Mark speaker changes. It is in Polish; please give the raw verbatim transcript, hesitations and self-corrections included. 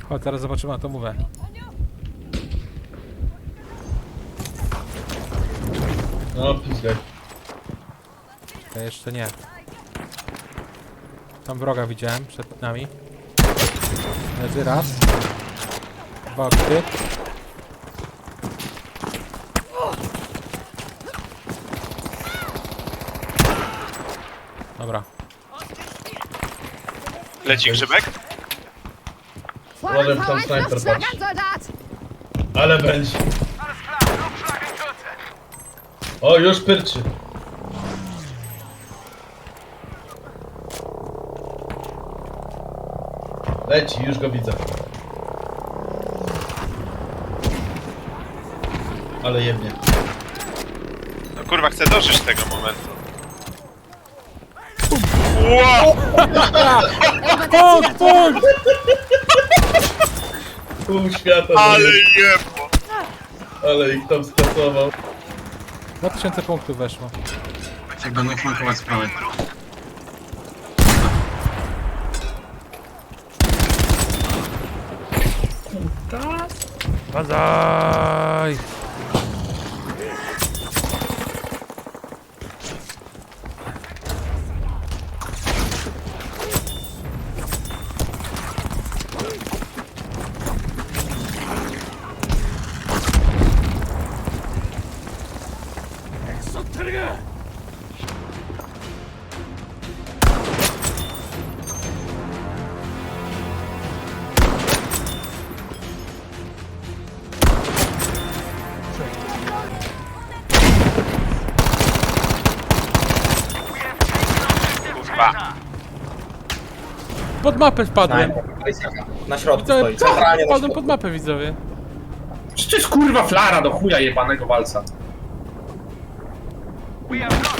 Speaker 1: O, teraz zobaczymy na to mówię.
Speaker 2: No, pizgaj.
Speaker 1: To jeszcze nie. Tam wroga widziałem przed nami. Leży raz. Dwa okry. Dobra.
Speaker 3: Leci grzybek?
Speaker 2: Uważaj, tam snajper patrz. Ale będzie. O, już pyrczy. Leci, już go widzę. Ale jemnie.
Speaker 3: No kurwa, chcę dożyć tego momentu. Wow!
Speaker 1: Punkt, punkt!
Speaker 2: Pół świata.
Speaker 3: Ale
Speaker 2: zajebał.
Speaker 3: jebło!
Speaker 2: Ale ich tam skasował.
Speaker 1: dwa tysiące punktów weszło.
Speaker 4: Jak będą flankować sprawę.
Speaker 1: Bazaj!
Speaker 3: Kurwa.
Speaker 1: Pod mapę wpadłem.
Speaker 5: Na środku
Speaker 1: Widzowie,
Speaker 5: stoi, centralnie na
Speaker 1: wpadłem
Speaker 5: środku.
Speaker 1: pod mapę, widzowie.
Speaker 6: Czy to jest kurwa flara do chuja jebanego walca?
Speaker 7: We have